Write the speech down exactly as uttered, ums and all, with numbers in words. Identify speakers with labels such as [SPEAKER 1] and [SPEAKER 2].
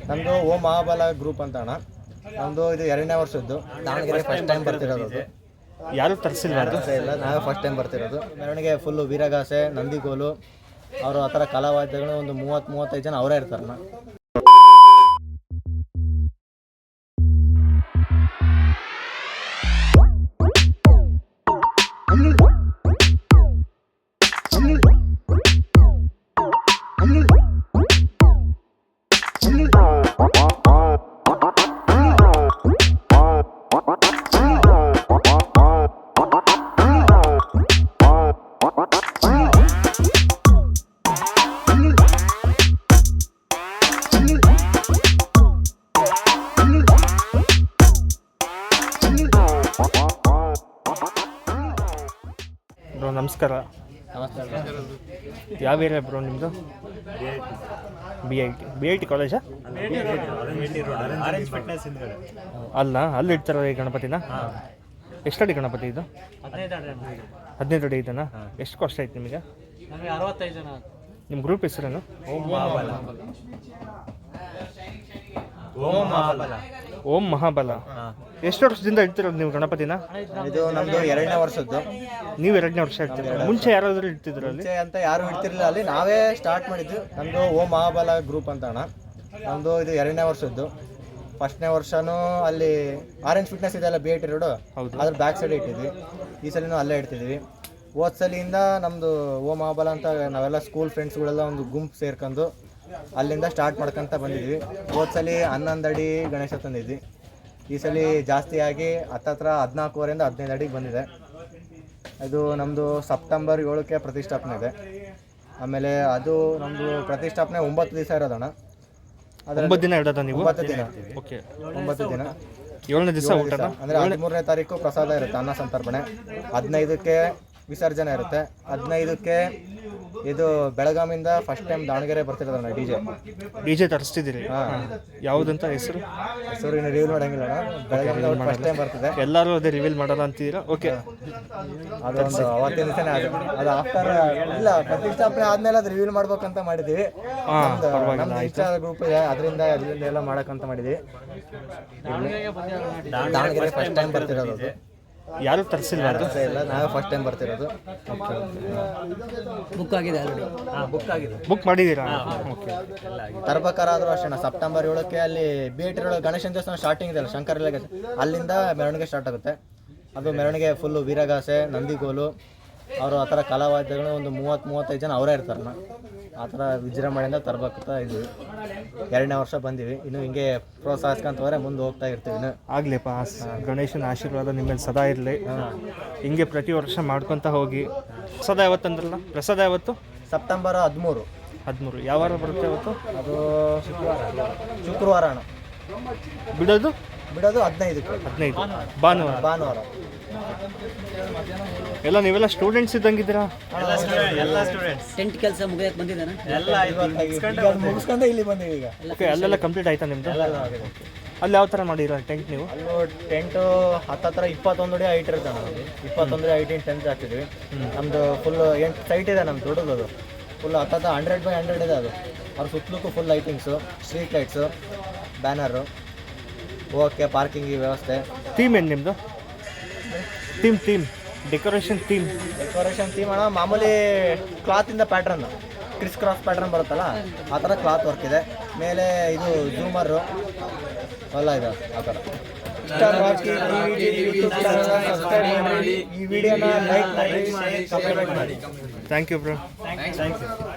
[SPEAKER 1] ನಮ್ಮದು ಓಂ ಮಹಾಬಲ ಗ್ರೂಪ್ ಅಂತ ಅಣ್ಣ. ನಮ್ಮದು ಇದು ಎರಡನೇ ವರ್ಷದ್ದು. ದಾವಣಗೆರೆ ಫಸ್ಟ್ ಟೈಮ್ ಬರ್ತಿರೋದು.
[SPEAKER 2] ಯಾರು ತರಿಸಿಲ್ಲ
[SPEAKER 1] ಇಲ್ಲ, ನಾವೇ ಫಸ್ಟ್ ಟೈಮ್ ಬರ್ತಿರೋದು. ಮೆರವಣಿಗೆ ಫುಲ್ಲು ವೀರಗಾಸೆ, ನಂದಿಗೋಲು, ಅವರು ಆ ಥರ ಕಲಾವಾದ್ಯಗಳು ಒಂದು ಮೂವತ್ತು ಮೂವತ್ತೈದು ಜನ ಅವರೇ ಇರ್ತಾರಣ್ಣ.
[SPEAKER 2] ಬ್ರೋ ನಮಸ್ಕಾರ.
[SPEAKER 1] ನಮಸ್ಕಾರ.
[SPEAKER 2] ಯಾವ ಏರಿಯಾ ಬ್ರೋ ನಿಮ್ಮದು? B I T B I T ಕಾಲೇಜಾ? ಅಲ್ಲ, ಅಲ್ಲಿ ಇಡ್ತಾರ ಈ ಗಣಪತಿನ? ಎಷ್ಟಡಿ ಗಣಪತಿ ಇದು? ಹದಿನೈದು ಅಡಿ ಇದೆನಾ? ಎಷ್ಟು ಕಾಸ್ಟ್ ಆಯ್ತು ನಿಮಗೆ?
[SPEAKER 3] ಅರವತ್ತೈದು ಜನ.
[SPEAKER 2] ನಿಮ್ಮ ಗ್ರೂಪ್ ಹೆಸರೇನು?
[SPEAKER 1] ಓಂ ಮಹಾಬಲ. ಓಂ ಮಹಾಬಲ.
[SPEAKER 2] ಓಂ ಮಹಾಬಲ. ಎಷ್ಟು ವರ್ಷದಿಂದ ಇಡ್ತಿರೋದು ನೀವು ಗಣಪತಿನ?
[SPEAKER 1] ಇದು ನಮ್ಮದು ಎರಡನೇ ವರ್ಷದ್ದು.
[SPEAKER 2] ನೀವು ಎರಡನೇ ವರ್ಷ ಇಡ್ತೀರ? ಮುಂಚೆ ಯಾರಾದರೂ ಇಡ್ತಿದ್ರು ಅಲ್ಲಿ?
[SPEAKER 1] ಮುಂಚೆ ಅಂತ ಯಾರು ಇಡ್ತಿರ್ಲಿಲ್ಲ, ಅಲ್ಲಿ ನಾವೇ ಸ್ಟಾರ್ಟ್ ಮಾಡಿದ್ದು. ನಮ್ಮದು ಓಂ ಮಹಾಬಲ ಗ್ರೂಪ್ ಅಂತ ಅಣ್ಣ. ನಮ್ಮದು ಇದು ಎರಡನೇ ವರ್ಷದ್ದು. ಫಸ್ಟ್ನೇ ವರ್ಷನೂ ಅಲ್ಲಿ ಆರೆಂಜ್ ಫಿಟ್ನೆಸ್ ಇದೆಲ್ಲ ಬಿ ಐ ಟಿ ರೋಡು, ಅದ್ರ ಬ್ಯಾಕ್ ಸೈಡ್ ಇಟ್ಟಿದ್ವಿ. ಈ ಸಲಿನೂ ಅಲ್ಲೇ ಇಡ್ತಿದ್ವಿ. ಹೋದ ಸಲಿಯಿಂದ ನಮ್ಮದು ಓಂ ಮಹಾಬಲ ಅಂತ ನಾವೆಲ್ಲ ಸ್ಕೂಲ್ ಫ್ರೆಂಡ್ಸ್ಗಳೆಲ್ಲ ಒಂದು ಗುಂಪು ಸೇರ್ಕೊಂಡು ಅಲ್ಲಿಂದ ಸ್ಟಾರ್ಟ್ ಮಾಡ್ಕೊತ ಬಂದಿದ್ವಿ. ಹೋದ ಸಲ ಹನ್ನೊಂದು ಅಡಿ ಗಣೇಶ ತಂದಿದ್ವಿ. ಈ ಸಲ ಜಾಸ್ತಿ ಆಗಿ ಹತ್ತತ್ರ ಹದಿನಾಲ್ಕೂವರೆಯಿಂದ ಹದಿನೈದು ಅಡಿಗೆ ಬಂದಿದೆ. ಇದು ನಮ್ಮದು ಸೆಪ್ಟೆಂಬರ್ ಏಳಕ್ಕೆ ಪ್ರತಿಷ್ಠಾಪನೆ ಇದೆ. ಆಮೇಲೆ ಅದು ನಮ್ಮದು ಪ್ರತಿಷ್ಠಾಪನೆ ಒಂಬತ್ತು ದಿವಸ ಇರೋದಣ್ಣ.
[SPEAKER 2] ಒಂಬತ್ತು ದಿನ ಇಡೋದ ನೀವು?
[SPEAKER 1] ಒಂಬತ್ತು ದಿನ.
[SPEAKER 2] ಓಕೆ,
[SPEAKER 1] ಒಂಬತ್ತು ದಿನ.
[SPEAKER 2] ಏಳನೇ ದಿವಸ ಊಟ
[SPEAKER 1] ಅಂದರೆ ಹದಿಮೂರನೇ ತಾರೀಕು ಪ್ರಸಾದ ಇರುತ್ತೆ, ಅನ್ನ ಸಂತರ್ಪಣೆ. ಹದಿನೈದಕ್ಕೆ ವಿಸರ್ಜನೆ ಇರುತ್ತೆ. ಹದಿನೈದಕ್ಕೆ ಇದು ಬೆಳಗಾವಿಂದ ಫಸ್ಟ್ ಟೈಮ್ ದಾವಣಗೆರೆ ಬರ್ತಿರೋದಣ್ಣ ಡಿ ಜೆ.
[SPEAKER 2] ಡಿ ಜೆ ತರಿಸ್ತಿದ್ದೀರಿ? ಹಾಂ. ಯಾವುದಂತ ಹೆಸರು?
[SPEAKER 1] ಹೆಸರು ಇನ್ನು ರಿವೀಲ್ ಮಾಡೋಂಗಿಲ್ಲ. ಬೆಳಗಾವಿಂದ ಫಸ್ಟ್ ಟೈಮ್ ಬರ್ತಿದೆ.
[SPEAKER 2] ಎಲ್ಲರೂ ಅದೇ ರಿವೀಲ್ ಮಾಡೋಣ ಅಂತಿದ್ದೀರಾ? ಓಕೆ.
[SPEAKER 1] ಅದೊಂದು ಅವತ್ತಿನ ದಿವಸನೇ ಅದು ಅದು ಆಫ್ಟರ್ ಇಲ್ಲ, ಪ್ರತಿಷ್ಠಾಪನೆ ಆದ್ಮೇಲೆ ಅದು ರಿವೀಲ್ ಮಾಡ್ಬೇಕಂತ ಮಾಡಿದ್ವಿ. ನಮ್ದು ಇಷ್ಟ ಗ್ರೂಪ್ ಇದೆ, ಅದರಿಂದ ಅದರಿಂದ ಎಲ್ಲ ಮಾಡಕ್ಕಂತ ಮಾಡಿದ್ವಿ. ದಾವಣಗೆರೆ ಫಸ್ಟ್ ಟೈಮ್ ಬರ್ತಿರೋದು.
[SPEAKER 2] ಯಾರು ತರಿಸಿಲ್ಲ?
[SPEAKER 1] ಇಲ್ಲ, ನಾವೇ ಫಸ್ಟ್ ಟೈಮ್ ಬರ್ತಿರೋದು.
[SPEAKER 3] ಬುಕ್ ಆಗಿದೆ ಆಲ್ರೆಡಿ.
[SPEAKER 1] ಬುಕ್ ಆಗಿದೆ.
[SPEAKER 2] ಬುಕ್ ಮಾಡಿದ್ದೀರಾ? ಓಕೆ.
[SPEAKER 1] ತರ್ಬೇಕಾದ್ರೂ ಅಷ್ಟೇ ಸೆಪ್ಟೆಂಬರ್ ಏಳಕ್ಕೆ ಅಲ್ಲಿ ಬಿ ಐ ಟಿ ರೋಡ್ ಗಣೇಶನ ದೇವಸ್ಥಾನ ಸ್ಟಾರ್ಟಿಂಗ್ ಇದೆಯಲ್ಲ, ಶಂಕರ, ಅಲ್ಲಿಂದ ಮೆರವಣಿಗೆ ಸ್ಟಾರ್ಟ್ ಆಗುತ್ತೆ. ಅದು ಮೆರವಣಿಗೆ ಫುಲ್ಲು ವೀರಗಾಸೆ, ನಂದಿಗೋಲು, ಅವರು ಆ ಥರ ಕಲಾವಾದ್ಯಗಳು ಒಂದು ಮೂವತ್ತು ಮೂವತ್ತೈದು ಜನ ಅವರೇ ಇರ್ತಾರಣ್ಣ. ಆ ಥರ ವಿಜೃಂಭಣೆಯಿಂದ ತರ್ಬೇಕಂತ ಇದ್ವಿ. ಎರಡನೇ ವರ್ಷ ಬಂದೀವಿ. ಇನ್ನು ಹಿಂಗೆ ಪ್ರೋತ್ಸಾಹಿಸ್ಕೊಂತವ್ರೆ ಮುಂದೆ ಹೋಗ್ತಾ ಇರ್ತೀವಿ. ಇನ್ನು
[SPEAKER 2] ಆಗಲಿಪ್ಪ, ಗಣೇಶನ ಆಶೀರ್ವಾದ ನಿಮ್ಮಲ್ಲಿ ಸದಾ ಇರಲಿ. ಹಿಂಗೆ ಪ್ರತಿ ವರ್ಷ ಮಾಡ್ಕೊತ ಹೋಗಿ. ಪ್ರಸಾದ ಯಾವತ್ತಂದ್ರಲ್ಲ? ಪ್ರಸಾದ ಯಾವತ್ತು?
[SPEAKER 1] ಸೆಪ್ಟೆಂಬರ್ ಹದಿಮೂರು.
[SPEAKER 2] ಹದಿಮೂರು ಯಾವ ವಾರ ಬರುತ್ತೆ ಅವತ್ತು?
[SPEAKER 1] ಅದು ಶುಕ್ರವಾರ. ಶುಕ್ರವಾರ ಅಣ್ಣ.
[SPEAKER 2] ಬಿಡೋದು
[SPEAKER 1] ಬಿಡೋದು ಹದಿನೈದಕ್ಕೆ.
[SPEAKER 2] ಹದಿನೈದು ಭಾನುವಾರ.
[SPEAKER 1] ಭಾನುವಾರ.
[SPEAKER 2] ಎಲ್ಲ ನೀವೆಲ್ಲ ಸ್ಟೂಡೆಂಟ್ಸ್ ಇದ್ದಂಗಿದ್ದೀರಾ?
[SPEAKER 1] ಎಲ್ಲ ಸ್ಟೂಡೆಂಟ್ಸ್.
[SPEAKER 3] ಟೆಂಟ್ ಕೆಲಸ ಮುಗಿಯಕ್ಕೆ ಬಂದಿದ್ದಾನೆ
[SPEAKER 1] ಎಲ್ಲ ಮುಗಿಸ್ಕೊಂಡೆ ಇಲ್ಲಿ ಬಂದೀವಿ ಈಗ.
[SPEAKER 2] ಓಕೆ, ಅಲ್ಲೆಲ್ಲ ಕಂಪ್ಲೀಟ್ ಆಯ್ತಾ ನಿಮ್ಮದು? ಅಲ್ಲಿ ಯಾವ ಥರ ಮಾಡಿರೋ ಟೆಂಟ್ ನೀವು?
[SPEAKER 1] ಅಲ್ಲೂ ಟೆಂಟು ಹತ್ತತ್ರ ಇಪ್ಪತ್ತೊಂದು ಅಡಿ ಹೈಟ್ ಇರುತ್ತೆ ನಾವು. ಇಪ್ಪತ್ತೊಂದು ಅಡಿ ಹೈಟಿನ ಟೆಂಟ್ ಹಾಕ್ತಿದ್ವಿ. ನಮ್ಮದು ಫುಲ್ ಎಂಟು ಸೈಟ್ ಇದೆ ನಮ್ದು ದೊಡ್ಡದು. ಅದು ಫುಲ್ ಹತ್ತತ್ರ ಹಂಡ್ರೆಡ್ ಬೈ ಹಂಡ್ರೆಡ್ ಇದೆ. ಅದು ಅವ್ರ ಸುತ್ತಲೂ full lightings, street lights, banner, okay, parking ವ್ಯವಸ್ಥೆ.
[SPEAKER 2] ಥೀಮ್ ಏನು ನಿಮ್ಮದು? Theme theme decoration theme
[SPEAKER 1] decoration theme ಅಣ್ಣ ಮಾಮೂಲಿ ಕ್ಲಾತಿಂದ ಪ್ಯಾಟ್ರನ್, ಕ್ರಿಸ್ ಕ್ರಾಸ್ ಪ್ಯಾಟ್ರನ್ ಬರುತ್ತಲ್ಲ, ಆ ಥರ ಕ್ಲಾತ್ ವರ್ಕ್ ಇದೆ. ಮೇಲೆ ಇದು ಜೂಮರು ಎಲ್ಲ ಇದೆ ಆ ಥರ. ಈ ವಿಡಿಯೋನ ಲೈಕ್ ಮಾಡಿ, ಕಮೆಂಟ್ ಮಾಡಿ.
[SPEAKER 2] Thank you bro.
[SPEAKER 1] Thank you.